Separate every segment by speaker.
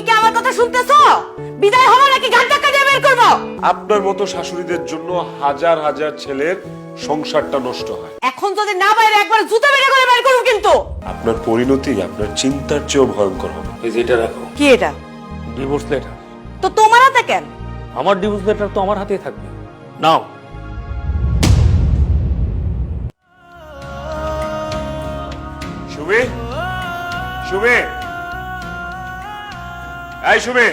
Speaker 1: কি আমার কথা শুনতেছো? বিদায় হবো নাকি গান ধাক্কা দিয়ে বের করবো?
Speaker 2: আপনার মতো শাশুড়িদের জন্য হাজার হাজার ছেলের সংসারটা নষ্ট হয়।
Speaker 1: এখন যদি না বাইরে একবার জুতো বের করে বের করব কিন্তু।
Speaker 2: আপনার পরিণতি আপনার চিন্তার চেয়েও ভয়ঙ্কর হবে।
Speaker 3: এই যে এটা রাখো,
Speaker 1: কি এটা?
Speaker 3: Divorce letter.
Speaker 1: তো তোমার হাতে কেন?
Speaker 3: আমার ডিভোর্স লেটার তো আমার হাতেই থাকবে। নাও।
Speaker 2: সুমি, সুমি, এই সুমি,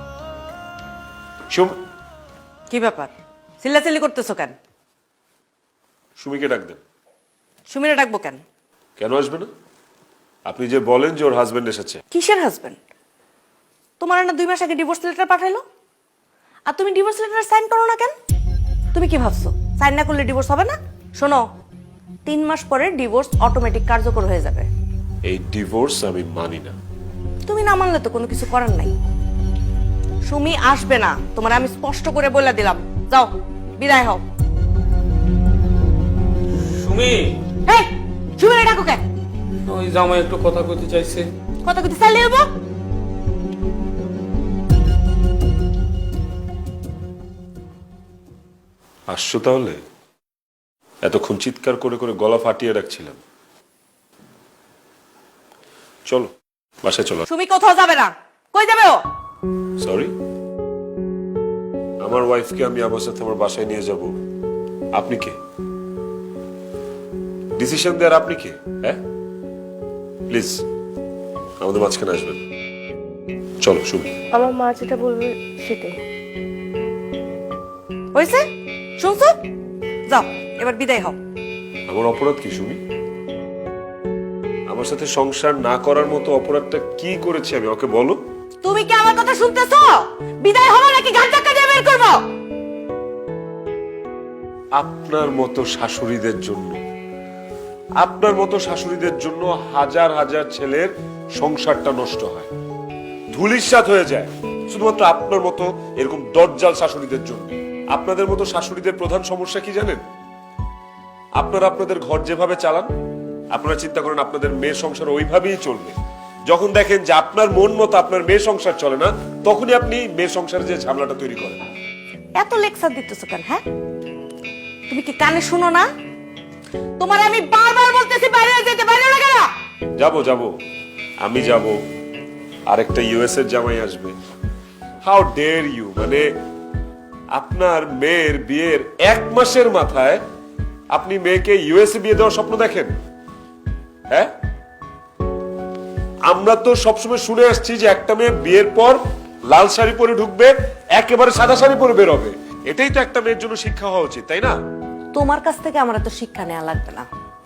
Speaker 1: কি ব্যাপার? চিল্লাচিল্লি করতেছো কেন?
Speaker 2: সুমিকে ডাক দেন।
Speaker 1: সুমিরে ডাকবো কেন?
Speaker 2: কেন আসবে না? আপনি যে বলেন যে ওর হাজবেন্ড এসেছে।
Speaker 1: কিসের হাজবেন্ড? তোমার না 2 মাস আগে ডিভোর্স লেটার পাঠাইলো, আর তুমি ডিভোর্স লেটার সাইন করো না কেন? তুমি কি ভাবছো সাইন না করলে ডিভোর্স হবে না? শোনো, 3 মাস পরে ডিভোর্স অটোমেটিক কার্যকর হয়ে যাবে।
Speaker 2: এই ডিভোর্স আমি মানি না।
Speaker 1: তুমি না মানলে তো কোনো কিছু করার নাই। সুমি আসবে না, তোমার আমি স্পষ্ট করে বলে দিলাম। যাও, বিদায় হও।
Speaker 3: সুমি,
Speaker 1: হেই, সুমিরে ডাকো কেন?
Speaker 3: ওই জামাই একটু কথা কইতে চাইছে।
Speaker 1: কথা কইতে চাইলে হবো?
Speaker 2: আসছো তাহলে? এতক্ষণ চিৎকার করে করে গলা ফাটিয়ে রাখছিলাম। চলো বাসায় চলো।
Speaker 1: সুমি কোথাও যাবে না। কই যাবে ও?
Speaker 2: সরি, আমার ওয়াইফকে আমি আমার সাথে আমার বাসায় নিয়ে যাব। আপনি কে? ডিসিশন দেওয়ার আপনি কে? হ্যাঁ, প্লিজ আমাদের মাঝখানে আসবেন। চলো শুনি।
Speaker 4: আমার মা যেটা বলবে সেটাই।
Speaker 1: হয়েছে? শুনছো? যাও, এবার বিদায় হও।
Speaker 2: আমার অপরাধ কি শুনি? আমার সাথে সংসার না করার মতো অপরাধটা কি করেছি আমি? ওকে বলো।
Speaker 1: তুমি কি আমার কথা শুনতেছো? বিদায় হবো নাকি গান ধাক্কা দিয়ে বের করবো?
Speaker 2: আপনার মতো শাশুড়িদের জন্য, আপনার মতো শাশুড়িদের জন্য হাজার হাজার ছেলের সংসারটা নষ্ট হয়, ধুলিস্যাৎ হয়ে যায়, শুধুমাত্র আপনার মতো এরকম দজ্জাল শাশুড়িদের জন্য। আপনাদের মতো শাশুড়িদের প্রধান সমস্যা কি জানেন? আপনারা আপনাদের ঘর যেভাবে চালান, আপনারা চিন্তা করেন আপনাদের মেয়ের সংসার ওইভাবেই চলবে। যখন দেখেন যে আপনার মন মতো আপনার মেয়ের সংসার চলে না, তখনই আপনি মেয়ের সংসারে যে ঝামেলাটা তৈরি করেন।
Speaker 1: এত লেকচার দিতেছো কেন? হ্যাঁ, তুমি কি কানে শুনো না? তোমার আমি বারবার বলতেছি বাইরে যেতে, বাইরে না কেন?
Speaker 2: যাবো যাবো, আমি যাব, আরেকটা ইউএস এর জামাই আসবে। How dare you! মানে আপনার মেয়ের বিয়ের 1 মাসের মাথায় আপনি মেয়েকে ইউএসএ বিয়ে দেওয়ার স্বপ্ন দেখেন? হ্যাঁ, আমরা তো সবসময় শুনে আসছি যে একটা মেয়ে বিয়ের পর লাল শাড়ি পরে ঢুকবে, একেবারে সাদা শাড়ি পরে বের হবে। এটাই তো একটা মেয়ের জন্য শিক্ষা হওয়া উচিত, তাই না?
Speaker 1: তোমার কাছ থেকে আমার এত শিক্ষা নেওয়া লাগবে না।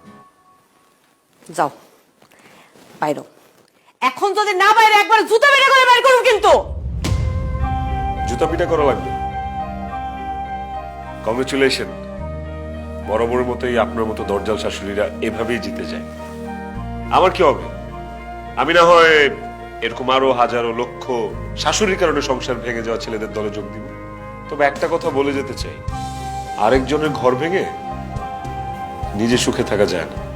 Speaker 1: যাও বাইরো। এখন যদি না বাইরে একবার জুতো বের করে বের করব কিন্তু।
Speaker 2: জুতা পিটা করা লাগবে। কংগ্রেচুলেশন, বরাবরের মতোই আপনার মতো দরজাল শাশুড়িরা এভাবেই জিতে যায়। আমার কি হবে? আমি না হয় এরকম আরো হাজারো লক্ষ শাশুড়ির কারণে সংসার ভেঙে যাওয়া ছেলেদের দলে যোগ দিব। তবে একটা কথা বলে যেতে চাই, আরেকজনের ঘর ভেঙে নিজে সুখে থাকা যায় না।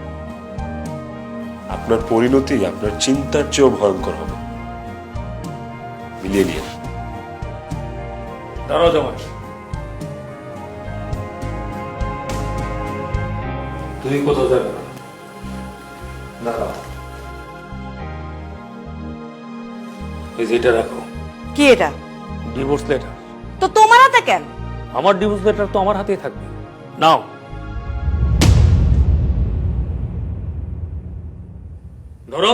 Speaker 2: আপনার পরিণতি আপনার চিন্তার চেয়েও ভয়ঙ্কর হবে। মিলিয়ে নিয়ে
Speaker 3: দাঁড়াও জামাই, তুমি কোথাও যাবে না। দাঁড়াও, এই যে এটা রাখো,
Speaker 1: কি এটা?
Speaker 3: Divorce letter.
Speaker 1: তো তোমার হাতে কেন?
Speaker 3: আমার ডিভোর্স লেটার তো আমার হাতেই থাকবে। নাও। ধরো।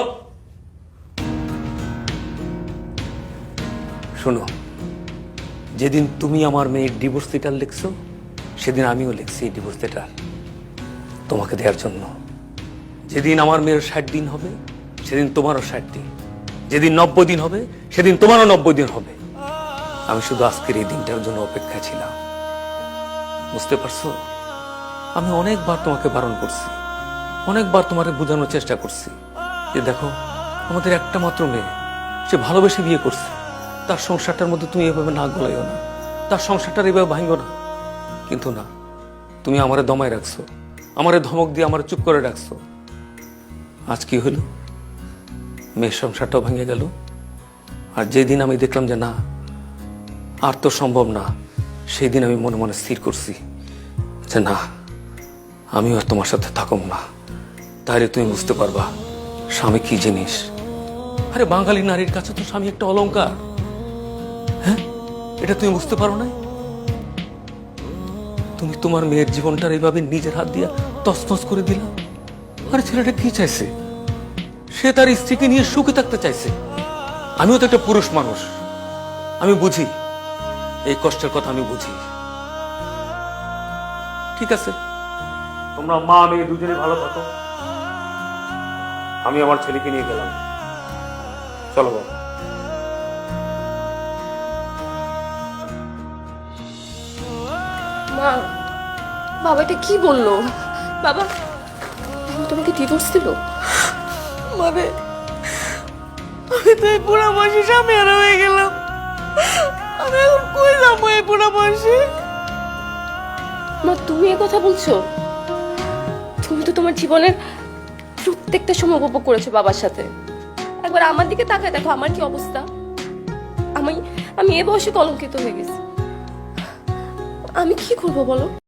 Speaker 3: শোনো, যেদিন তুমি আমার মেয়ের ডিভোর্স লেটার লিখছো, সেদিন আমিও লিখছি ডিভোর্স লেটার তোমাকে দেওয়ার জন্য। যেদিন আমার মেয়ের 60 দিন হবে, সেদিন তোমারও 60 দিন। যেদিন 90 দিন হবে, সেদিন তোমারও 90 দিন হবে। আমি শুধু আজকের এই দিনটার জন্য অপেক্ষা ছিলাম। বুঝতে পারছো? আমি অনেকবার তোমাকে বারণ করছি, অনেকবার তোমাকে বোঝানোর চেষ্টা করছি যে দেখো, আমাদের একটা মাত্র মেয়ে, সে ভালোবেসে বিয়ে করছে, তার সংসারটার মধ্যে তুমি এভাবে না গলাইও না, তার সংসারটার এভাবে ভাঙো না। কিন্তু না, তুমি আমারে দমায় রাখছো, আমারে ধমক দিয়ে আমারে চুপ করে রাখছো। আজ কি হলো? মেয়ের সংসারটাও ভেঙে গেল, আর যেদিন আমি দেখলাম যে না, আর তো সম্ভব না, সেই দিন আমি মনে মনে স্থির করছি যে না, আমিও আর তোমার সাথে থাকুম না। তাহলে তুমি বুঝতে পারবা স্বামী কি জিনিস। আরে বাঙালি নারীর কাছে তো স্বামী একটা অলংকার। হ্যাঁ, এটা তুমি বুঝতে পারো না? তুমি তোমার মেয়ের জীবনটার এইভাবে নিজের হাত দিয়ে তছনছ করে দিলা। আরে ছেলেটা কি চাইছে? সে তার স্ত্রীকে নিয়ে সুখে থাকতে চাইছে। আমিও তো একটা পুরুষ মানুষ, আমি বুঝি এই কষ্টের কথা, আমি বুঝি। ঠিক আছে, তোমরা মা মেয়ে দুজনে ভালো থাকো, আমি আমার ছেলেকে নিয়ে গেলাম। চলো বাবা।
Speaker 4: মা, বাবা এটা কি বললো? বাবা, বাবা তোমাকে ডিভোর্স দিল?
Speaker 1: মানে আমি তো এই বুড়া বয়সে স্বামী হারা হয়ে গেলাম। আমি এখন কই যাবো এই বুড়া বয়সে?
Speaker 4: মা, তুমি এ কথা বলছো? তুমি তো তোমার জীবনের প্রত্যেকটা সময় উপভোগ করেছো বাবার সাথে। একবার আমার দিকে তাকায় দেখো আমার কি অবস্থা। আমি আমি এ বয়সে কলঙ্কিত হয়ে গেছি। আমি কি করবো বলো?